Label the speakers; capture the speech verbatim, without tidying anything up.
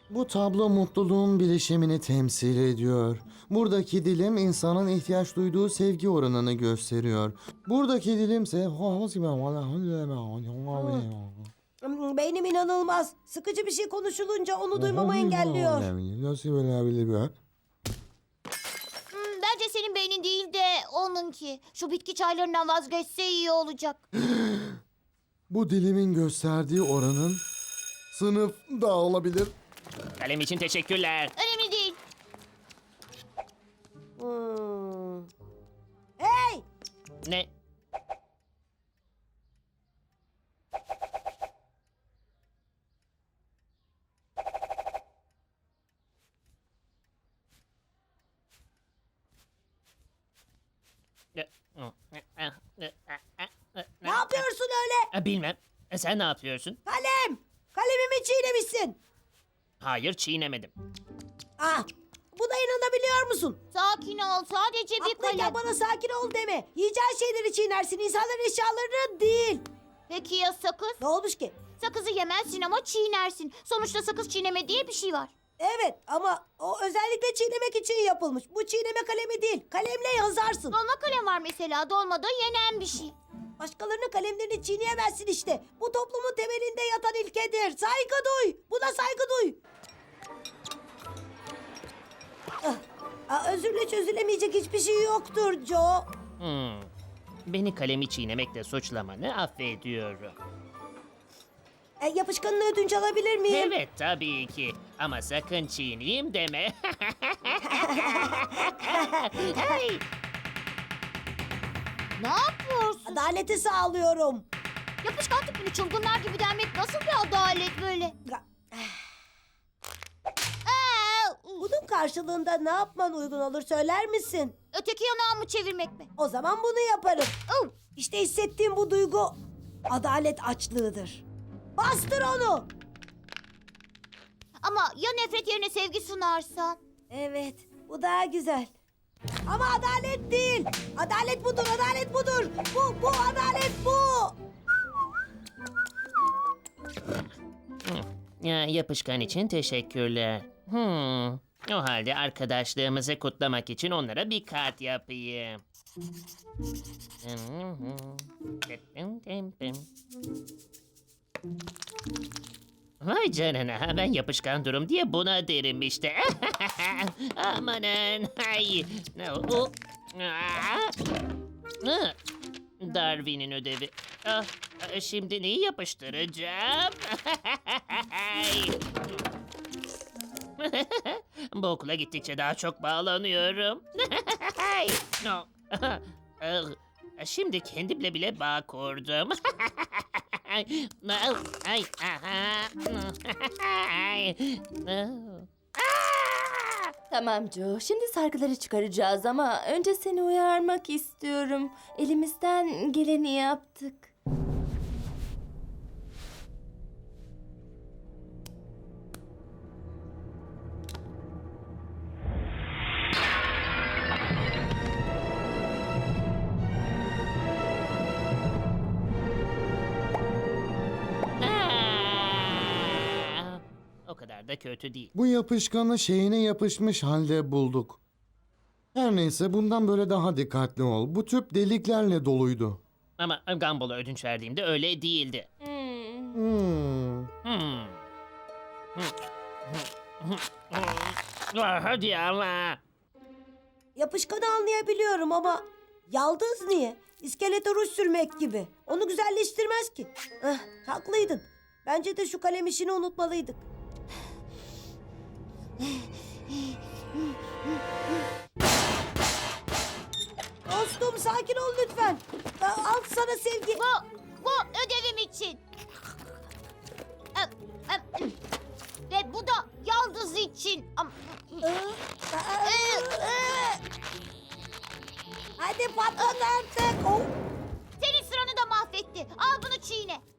Speaker 1: Bu tablo mutluluğun bileşimini temsil ediyor. Buradaki dilim insanın ihtiyaç duyduğu sevgi oranını gösteriyor. Buradaki dilimse...
Speaker 2: Hmm, Beynim inanılmaz. Sıkıcı bir şey konuşulunca onu duymamı engelliyor.
Speaker 3: Hmm, bence senin beynin değil de onunki. Şu bitki çaylarından vazgeçse iyi olacak.
Speaker 1: Bu dilimin gösterdiği oranın sınıf da olabilir.
Speaker 4: Kalem için teşekkürler.
Speaker 3: Önemli değil.
Speaker 2: Hmm. Hey!
Speaker 4: Ne?
Speaker 2: Ne yapıyorsun öyle?
Speaker 4: Bilmem. E, Sen ne yapıyorsun?
Speaker 2: Kalem! Kalemimi çiğnemişsin.
Speaker 4: Hayır, çiğnemedim.
Speaker 2: Ah! Buna inanabiliyor musun?
Speaker 3: Sakin ol. Sadece bir
Speaker 2: Aklıyken
Speaker 3: kalem.
Speaker 2: bana sakin ol deme. Yiyeceğin şeyleri çiğnersin. İnsanların eşyalarını değil.
Speaker 3: Peki ya sakız?
Speaker 2: Ne olmuş ki?
Speaker 3: Sakızı yemezsin ama çiğnersin. Sonuçta sakız çiğneme diye bir şey var.
Speaker 2: Evet ama o özellikle çiğnemek için yapılmış. Bu çiğneme kalemi değil. Kalemle yazarsın.
Speaker 3: Dolma kalem var mesela. Dolmada yenen bir şey.
Speaker 2: Başkalarının kalemlerini çiğneyemezsin işte. Bu toplumun temelinde yatan ilkedir. Saygı duy. Buna saygı duy. Ah, ah, özürle çözülemeyecek hiçbir şey yoktur Joe.
Speaker 4: Hmm. Beni kalemi çiğnemekle suçlamanı affediyorum.
Speaker 2: E, yapışkanını ödünç alabilir miyim?
Speaker 4: Evet, tabii ki. Ama sakın çiğneyim deme. Hey!
Speaker 3: Ne yapıyorsun?
Speaker 2: Adaleti sağlıyorum.
Speaker 3: Yapışkan tipini çılgınlar gibi denmek nasıl bir adalet böyle? Aa,
Speaker 2: Bunun karşılığında ne yapman uygun olur söyler misin?
Speaker 3: öteki yanağımı çevirmek mi?
Speaker 2: O zaman bunu yaparım.
Speaker 3: Oh,
Speaker 2: İşte hissettiğim bu duygu adalet açlığıdır. Bastır onu.
Speaker 3: ama ya nefret yerine sevgi sunarsan?
Speaker 2: Evet, bu daha güzel. Ama adalet değil. Adalet budur, adalet budur. Bu, bu adalet bu.
Speaker 4: Ya, yapışkan için teşekkürler. Hmm. O halde arkadaşlığımızı kutlamak için onlara bir kart yapayım. Vay canına, ben yapışkan durum diye buna derim işte. Amanın. Ay. O- Aa. Hı. Darwin'in ödevi. Ah, şimdi neyi yapıştıracağım? Bu okula gittikçe daha çok bağlanıyorum. No. Ah, Şimdi kendimle bile bağ kurdum. Ay, ay, aha. Ay.
Speaker 5: Tamam Joe, şimdi sargıları çıkaracağız ama önce seni uyarmak istiyorum. Elimizden geleni yaptık.
Speaker 4: Ah! O kadar da kötü değil.
Speaker 1: Bu yapışkanı şeyine yapışmış halde bulduk. Her neyse bundan böyle daha dikkatli ol. Bu tüp deliklerle doluydu.
Speaker 4: Ama Gumball'a ödünç verdiğimde öyle değildi.
Speaker 5: Hmm.
Speaker 1: Hmm.
Speaker 4: Hmm. Ah, Hadi ama.
Speaker 2: Yapışkanı anlayabiliyorum ama yaldız niye? İskelete ruj sürmek gibi. Onu güzelleştirmez ki. Ah, haklıydın. Bence de şu kalem işini unutmalıydık. Dostum sakin ol lütfen. Ah, Al sana sevgi.
Speaker 3: Bu, bu ödevim için. Em, em, em. Ve bu da yaldız için. Am-
Speaker 2: Ah, ah, ah. Hadi patlat artık. Oh.
Speaker 3: Senin sıranı da mahvetti. Al bunu çiğne.